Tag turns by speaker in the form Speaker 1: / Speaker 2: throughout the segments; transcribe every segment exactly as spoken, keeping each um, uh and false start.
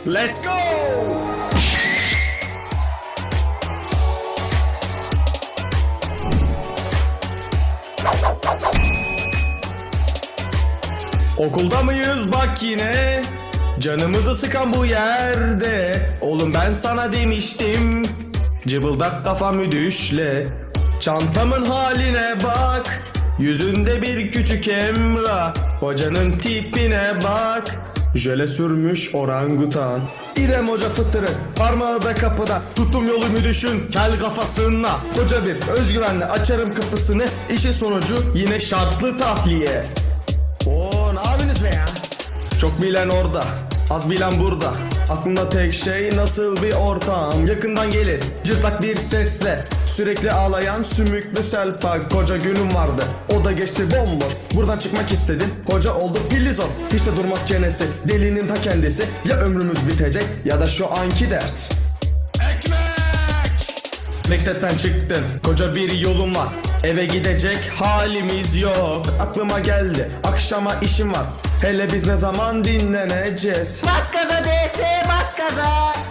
Speaker 1: Let's go! Okulda mıyız bak yine? Canımızı sıkan bu yerde. Oğlum ben sana demiştim. Cıbıldak kafamı düşle. Çantamın haline bak. Yüzünde bir küçük Emrah. Hocanın tipine bak. Jöle sürmüş orangutan. İrem Hoca fıtırı, parmağı da kapıda. Tuttum yolumu düşün, kel kafasına. Koca bir özgüvenle açarım kapısını. İşin sonucu yine şartlı tahliye. Oo, ne yapıyorsunuz be ya? Çok bilen orada, az bilen burada. Aklımda tek şey nasıl bir ortam. Yakından gelir cırtlak bir sesle. Sürekli ağlayan sümüklü selpak. Koca günüm vardı, o da geçti bomboş. Buradan çıkmak istedim, koca oldu pillizon. Hiç de durmaz çenesi, delinin ta kendisi. Ya ömrümüz bitecek ya da şu anki ders. Ekmek! Mektepten çıktın, koca bir yolum var. Eve gidecek halimiz yok. Aklıma geldi, akşama işim var. Hele biz ne zaman dinleneceğiz?
Speaker 2: Bas gaza D S, bas gaza.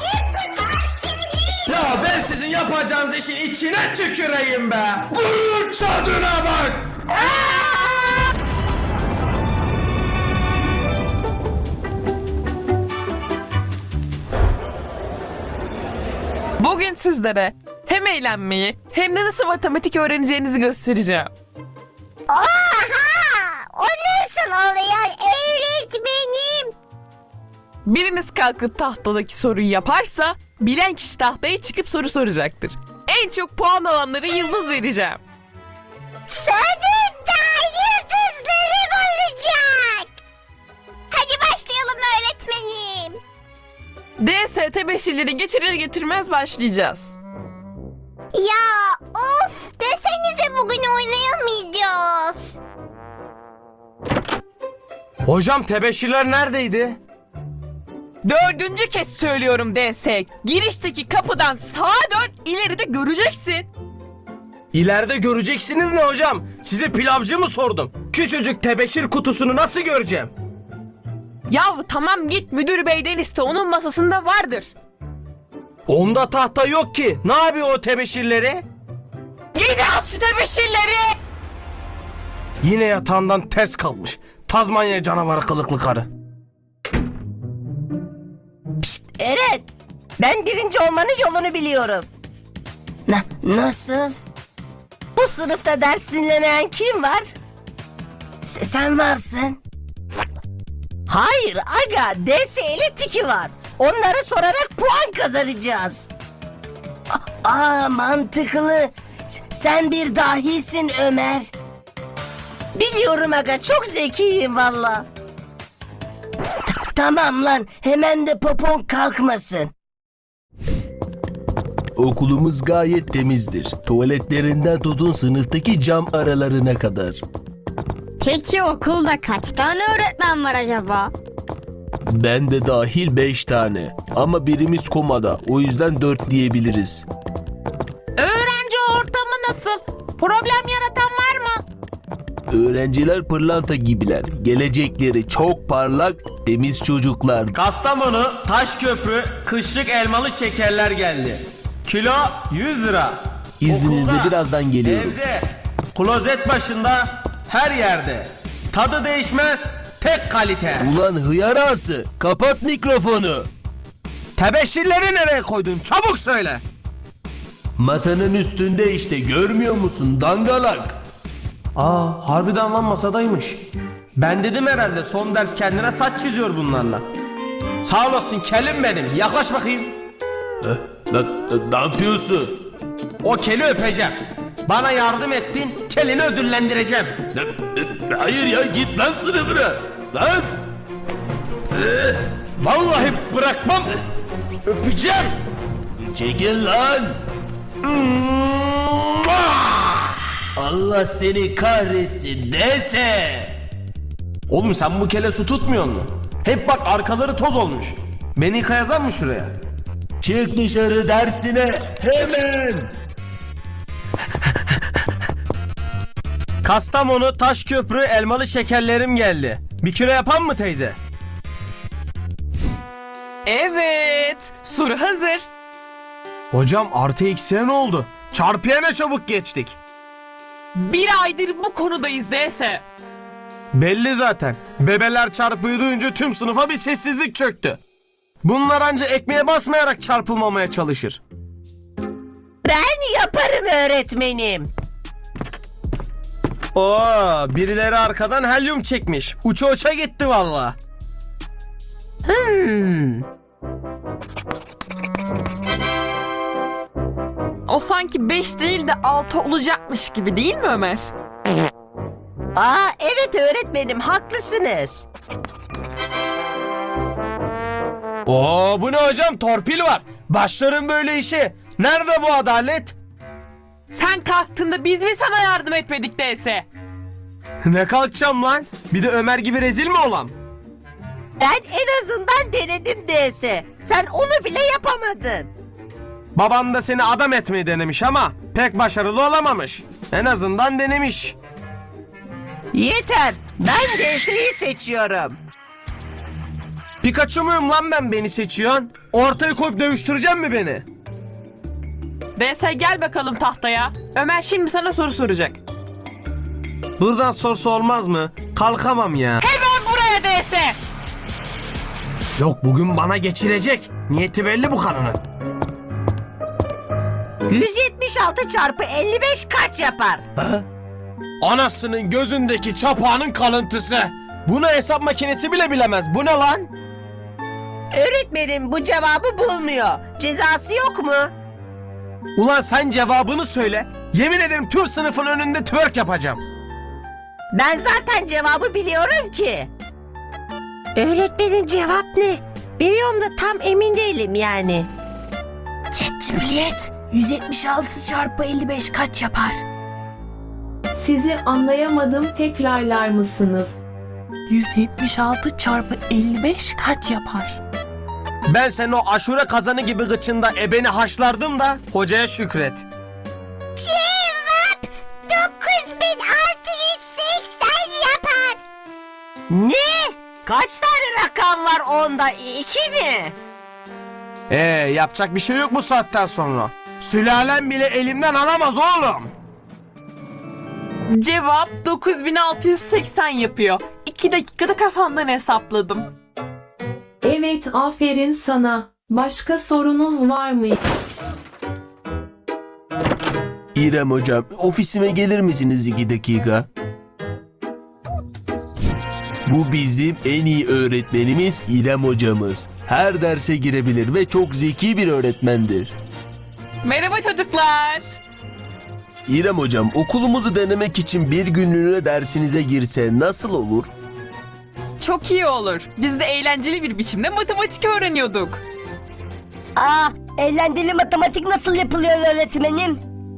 Speaker 1: Ya ben sizin yapacağınız işin içine tüküreyim be. Gurur tadına bak.
Speaker 3: Bugün sizlere hem eğlenmeyi hem de nasıl matematik öğreneceğinizi göstereceğim.
Speaker 2: Oha! O nasıl oluyor öğretmenim?
Speaker 3: Biriniz kalkıp tahtadaki soruyu yaparsa bilen kişi tahtaya çıkıp soru soracaktır. En çok puan alanlara yıldız vereceğim.
Speaker 2: Sonunda yıldızlarım olacak. Hadi başlayalım öğretmenim.
Speaker 3: D S tebeşirleri getirir getirmez başlayacağız.
Speaker 2: Ya of desenize bugün oynayamayacağız.
Speaker 1: Hocam tebeşirler neredeydi?
Speaker 3: Dördüncü kez söylüyorum D S. Girişteki kapıdan sağa dön, ileride göreceksin.
Speaker 1: İleride göreceksiniz ne hocam? Size pilavcı mı sordum? Küçücük tebeşir kutusunu nasıl göreceğim?
Speaker 3: Yahu tamam git müdür beyden iste, onun masasında vardır.
Speaker 1: Onda tahta yok ki. Ne yapıyor o tebeşirleri?
Speaker 3: Git al şu tebeşirleri.
Speaker 1: Yine yatağından ters kalkmış. Tazmanya canavarı kılıklı karı.
Speaker 2: Pişt Eren, ben birinci olmanın yolunu biliyorum. Na, nasıl? Bu sınıfta ders dinlemeyen kim var? Se- sen varsın. Hayır aga, D S ile Tiki var. Onlara sorarak puan kazanacağız. A- Aa mantıklı. S- sen bir dahisin Ömer. Biliyorum aga, çok zekiyim valla. Ta- Tamam lan, hemen de popon kalkmasın.
Speaker 4: Okulumuz gayet temizdir. Tuvaletlerinden tutun sınıftaki cam aralarına kadar.
Speaker 5: Peki okulda kaç tane öğretmen var acaba?
Speaker 4: Ben de dahil beş tane. Ama birimiz komada. O yüzden dört diyebiliriz.
Speaker 6: Öğrenci ortamı nasıl? Problem yaratan var mı?
Speaker 4: Öğrenciler pırlanta gibiler. Gelecekleri çok parlak, temiz çocuklar.
Speaker 1: Kastamonu Taşköprü kışlık elmalı şekerler geldi. Kilo yüz lira.
Speaker 4: İzninizle
Speaker 1: Okulda,
Speaker 4: birazdan geliyorum.
Speaker 1: Evde, klozet başında, her yerde. Tadı değişmez, tek kalite.
Speaker 4: Ulan hıyar ağası, kapat mikrofonu.
Speaker 1: Tebeşirleri nereye koydun? Çabuk söyle.
Speaker 4: Masanın üstünde işte, görmüyor musun dangalak?
Speaker 1: Aa, harbiden lan masadaymış. Ben dedim herhalde son ders kendine saç çiziyor bunlarla. Sağ olasın kelim benim. Yaklaş bakayım.
Speaker 4: Ne, ne yapıyorsun?
Speaker 1: O keli öpeceğim. Bana yardım ettin, kelini ödüllendireceğim.
Speaker 4: Ne, ne, hayır ya, git lan sınıfına. Lan!
Speaker 1: Vallahi bırakmam. Öpeceğim.
Speaker 4: Çekil lan! Allah seni kahretsin dese!
Speaker 1: Oğlum sen bu kele su tutmuyor mu? Hep bak arkaları toz olmuş. Beni yıkayazan mı şuraya?
Speaker 4: Çık dışarı dersine hemen!
Speaker 1: Kastamonu Taşköprü elmalı şekerlerim geldi. Bir kilo yapan mı teyze?
Speaker 3: Evet, soru hazır.
Speaker 1: Hocam artı eksiye ne oldu? Çarpıya ne çabuk geçtik.
Speaker 3: Bir aydır bu konudayız D S.
Speaker 1: Belli zaten. Bebeler çarpıyı duyunca tüm sınıfa bir sessizlik çöktü. Bunlar anca ekmeğe basmayarak çarpılmamaya çalışır.
Speaker 2: Ben yaparım öğretmenim.
Speaker 1: Oo, birileri arkadan helyum çekmiş. Uça uça gitti valla.
Speaker 2: Hmm.
Speaker 3: O sanki beş değil de altı olacakmış gibi değil mi Ömer?
Speaker 2: Aa evet öğretmenim haklısınız.
Speaker 1: Oo, bu ne hocam, torpil var. Başlarım böyle işe. Nerede bu adalet?
Speaker 3: Sen kalktığında biz mi sana yardım etmedik D S?
Speaker 1: Ne kalkacağım lan? Bir de Ömer gibi rezil mi olam?
Speaker 2: Ben en azından denedim D S. Sen onu bile yapamadın.
Speaker 1: Baban da seni adam etmeyi denemiş ama pek başarılı olamamış. En azından denemiş.
Speaker 2: Yeter. Ben D S'yi seçiyorum.
Speaker 1: Pikachu muyum lan ben, beni seçiyorsun? Ortaya koyup dövüştürecek mi beni?
Speaker 3: D S gel bakalım tahtaya. Ömer şimdi sana soru soracak.
Speaker 1: Buradan sorsa olmaz mı? Kalkamam ya.
Speaker 3: Hemen buraya D S.
Speaker 1: Yok, bugün bana geçirecek. Niyeti belli bu kanının.
Speaker 2: yüz yetmiş altı çarpı elli beş kaç yapar?
Speaker 1: Anasının gözündeki çapağının kalıntısı. Bunu hesap makinesi bile bilemez. Bu ne lan?
Speaker 2: Öğretmenim bu cevabı bulmuyor. Cezası yok mu?
Speaker 1: Ulan sen cevabını söyle. Yemin ederim tüm sınıfın önünde twerk yapacağım.
Speaker 2: Ben zaten cevabı biliyorum ki. Öğretmenim cevap ne? Biliyorum da tam emin değilim yani.
Speaker 7: Cumhuriyet yüz yetmiş altı çarpı elli beş kaç yapar?
Speaker 8: Sizi anlayamadım, tekrarlar mısınız?
Speaker 7: yüz yetmiş altı çarpı elli beş kaç yapar?
Speaker 1: Ben senin o aşure kazanı gibi gıçında ebeni haşlardım da hocaya şükret.
Speaker 2: Cevap dokuz bin altı yüz seksen yapar. Ne? Kaç tane rakam var onda? İki mi?
Speaker 1: Ee, yapacak bir şey yok bu saatten sonra. Sülalem bile elimden alamaz oğlum.
Speaker 3: Cevap dokuz bin altı yüz seksen yapıyor. iki dakikada kafamdan hesapladım.
Speaker 8: Evet, aferin sana. Başka sorunuz var mı?
Speaker 4: İrem hocam, ofisime gelir misiniz iki dakika? Bu bizim en iyi öğretmenimiz İrem hocamız. Her derse girebilir ve çok zeki bir öğretmendir.
Speaker 3: Merhaba çocuklar.
Speaker 4: İrem hocam, okulumuzu denemek için bir günlüğüne dersinize girse nasıl olur?
Speaker 3: Çok iyi olur. Biz de eğlenceli bir biçimde matematik öğreniyorduk.
Speaker 9: Aa, eğlenceli matematik nasıl yapılıyor öğretmenim?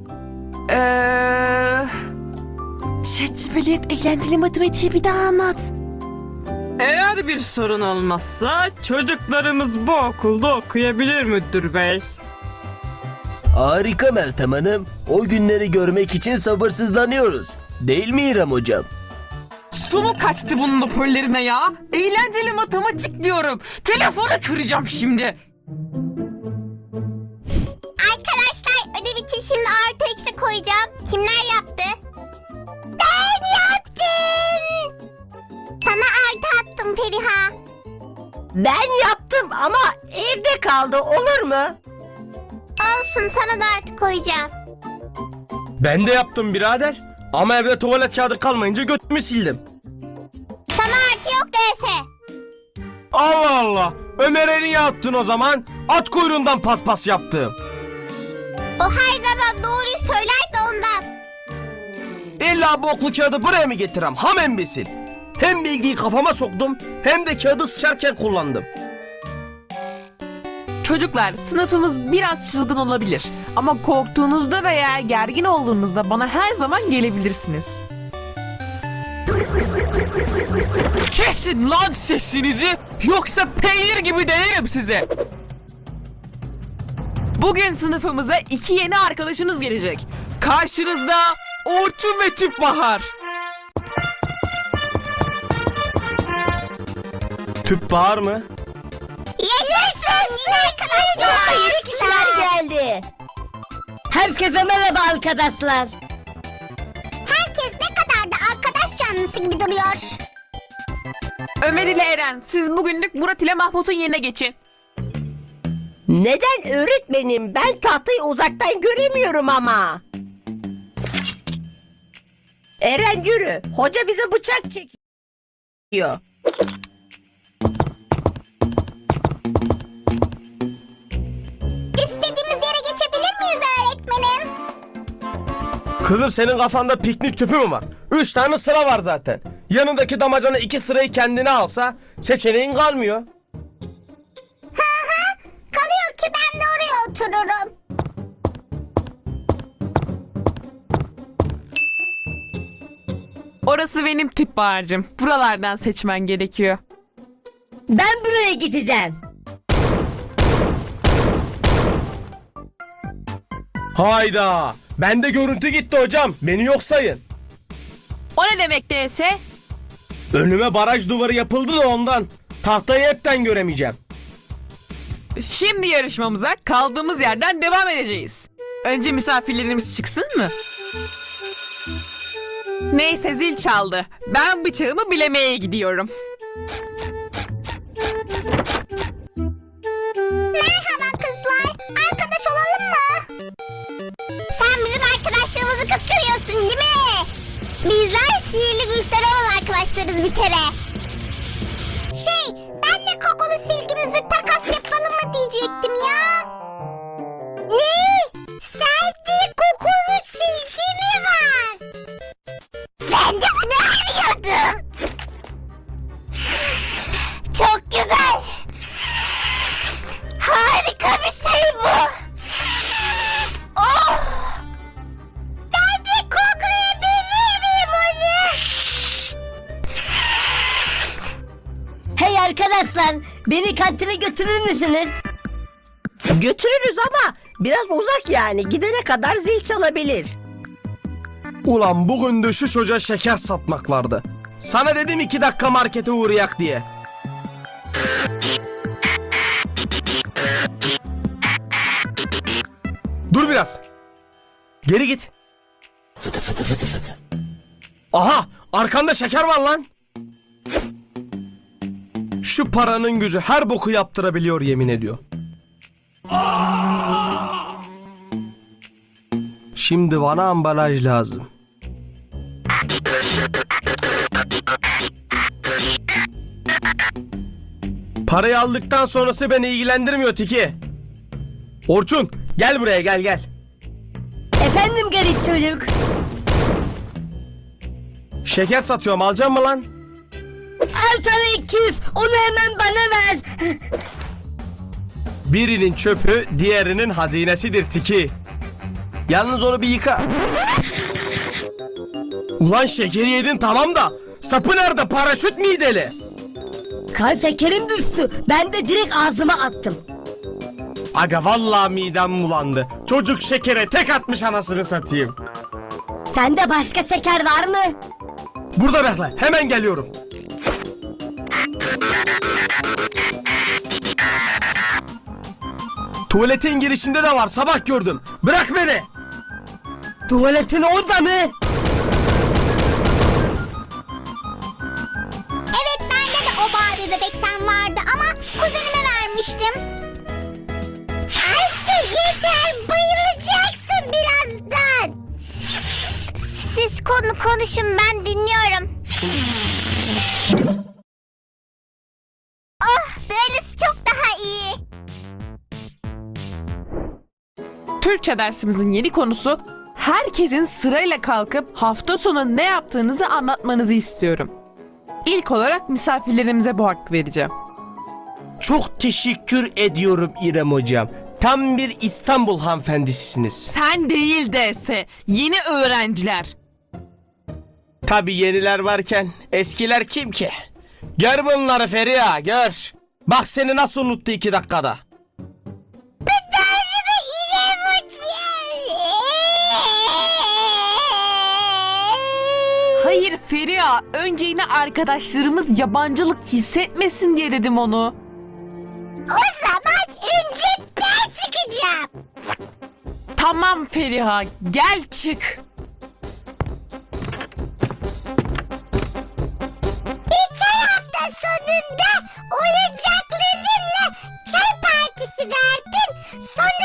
Speaker 3: Eee...
Speaker 7: Cumhuriyet eğlenceli matematiği bir daha anlat.
Speaker 3: Eğer bir sorun olmazsa çocuklarımız bu okulda okuyabilir müdür bey.
Speaker 4: Harika Meltem Hanım. O günleri görmek için sabırsızlanıyoruz. Değil mi İrem hocam?
Speaker 3: Su mu kaçtı bunun hoparlörüne ya? Eğlenceli matematik diyorum. Telefonu kıracağım şimdi.
Speaker 5: Arkadaşlar ödev için şimdi artı eksi koyacağım. Kimler yaptı? Ben yaptım. Sana artı attım Periha.
Speaker 2: Ben yaptım ama evde kaldı, olur mu?
Speaker 5: Olsun, sana da artı koyacağım.
Speaker 1: Ben de yaptım birader. Ama evde tuvalet kağıdı kalmayınca götümü sildim.
Speaker 5: Sana artı yok D S.
Speaker 1: Allah Allah. Ömer'e niye attın o zaman? At kuyruğundan paspas yaptım.
Speaker 5: O her zaman doğruyu söyler de ondan.
Speaker 1: İlla bu oklu kağıdı buraya mı getirem? Ham embesil. Hem bilgiyi kafama soktum hem de kağıdı sıçarken kullandım.
Speaker 3: Çocuklar, sınıfımız biraz çılgın olabilir. Ama korktuğunuzda veya gergin olduğunuzda bana her zaman gelebilirsiniz. Kesin lan sesinizi, yoksa peynir gibi değerim size. Bugün sınıfımıza iki yeni arkadaşınız gelecek. Karşınızda Orçun ve Tüpbahar.
Speaker 1: Tüp bağır mı?
Speaker 5: Yaşasın!
Speaker 2: Sınıfta yeni kişiler geldi.
Speaker 9: Herkese merhaba arkadaşlar.
Speaker 5: Herkes ne kadar da arkadaş canlısı gibi duruyor.
Speaker 3: Ömer ile Eren, siz bugünlük Murat ile Mahmut'un yerine geçin.
Speaker 2: Neden öğretmenim? Ben tahtayı uzaktan göremiyorum ama. Eren yürü. Hoca bize bıçak çekiyor.
Speaker 5: İstediğimiz yere geçebilir miyiz öğretmenim?
Speaker 1: Kızım senin kafanda piknik tüpü mü var? Üç tane sıra var zaten. Yanındaki damacana iki sırayı kendine alsa seçeneğin kalmıyor.
Speaker 5: Kalıyor ki ben de oraya otururum.
Speaker 3: Orası benim tüp bağırcım. Buralardan seçmen gerekiyor.
Speaker 9: Ben buraya gideceğim.
Speaker 1: Hayda. Bende görüntü gitti hocam. Beni yok sayın.
Speaker 3: O ne demek değilse?
Speaker 1: Önüme baraj duvarı yapıldı da ondan. Tahtayı hepten göremeyeceğim.
Speaker 3: Şimdi yarışmamıza kaldığımız yerden devam edeceğiz. Önce misafirlerimiz çıksın mı? Neyse zil çaldı. Ben bıçağımı bilemeye gidiyorum.
Speaker 5: Merhaba kızlar. Arkadaş olalım mı? Sen bizim arkadaşlığımızı kıskanıyorsun değil mi? Bizler sihirli güçleri olan arkadaşlarız bir kere. Şey, ben de kokulu silgimizi takas yapalım mı diyecektim ya. Ne? Sende kokulu silgi mi var? Sen de bunu arıyordun. Çok güzel. Harika bir şey bu. Oh! Ben de koklayabilir miyim onu?
Speaker 9: Hey arkadaşlar, beni kantine götürür müsünüz?
Speaker 2: Götürürüz ama biraz uzak yani. Gidene kadar zil çalabilir.
Speaker 1: Ulan bugün de şu çocuğa şeker satmak vardı. Sana dedim iki dakika markete uğrayak diye. Dur biraz. Geri git. Fıtı fıtı fıtı fıtı. Aha, arkanda şeker var lan. Şu paranın gücü her boku yaptırabiliyor yemin ediyor. Şimdi bana ambalaj lazım. Parayı aldıktan sonrası beni ilgilendirmiyor Tiki. Orçun gel buraya gel gel.
Speaker 9: Efendim garip çocuk.
Speaker 1: Şeker satıyorum alacak mı lan?
Speaker 9: Al sana iki yüz, onu hemen bana ver.
Speaker 1: Birinin çöpü diğerinin hazinesidir Tiki. Yalnız onu bir yıka. Ulan şekeri yedin tamam da sapı nerede, paraşüt mü deli?
Speaker 9: Kan şekerim düştü. Ben de direkt ağzıma attım.
Speaker 1: Aga vallahi midem bulandı. Çocuk şekere tek atmış anasını satayım.
Speaker 9: Sende başka şeker var mı?
Speaker 1: Burada bekle hemen geliyorum. Tuvaletin girişinde de var sabah gördüm. Bırak beni.
Speaker 9: Tuvaletin orada mı?
Speaker 5: Evet, bende de o Barbie bebekten vardı ama kuzenime vermiştim. Ayşe yeter, bayılacaksın birazdan. Siz konu konuşun, ben dinliyorum. Oh, böylesi çok daha iyi.
Speaker 3: Türkçe dersimizin yeni konusu herkesin sırayla kalkıp hafta sonu ne yaptığınızı anlatmanızı istiyorum. İlk olarak misafirlerimize bu hakkı vereceğim.
Speaker 1: Çok teşekkür ediyorum İrem hocam. Tam bir İstanbul hanımefendisiniz.
Speaker 3: Sen değil dese yeni öğrenciler.
Speaker 1: Tabii yeniler varken eskiler kim ki? Gör bunları Feriha gör. Bak seni nasıl unuttu iki dakikada.
Speaker 3: Hayır Feriha, önce yine arkadaşlarımız yabancılık hissetmesin diye dedim onu.
Speaker 5: O zaman olacağım.
Speaker 3: Tamam Feriha, gel çık.
Speaker 5: Geçen hafta sonunda oyuncaklarımla çay partisi verdim. Sonra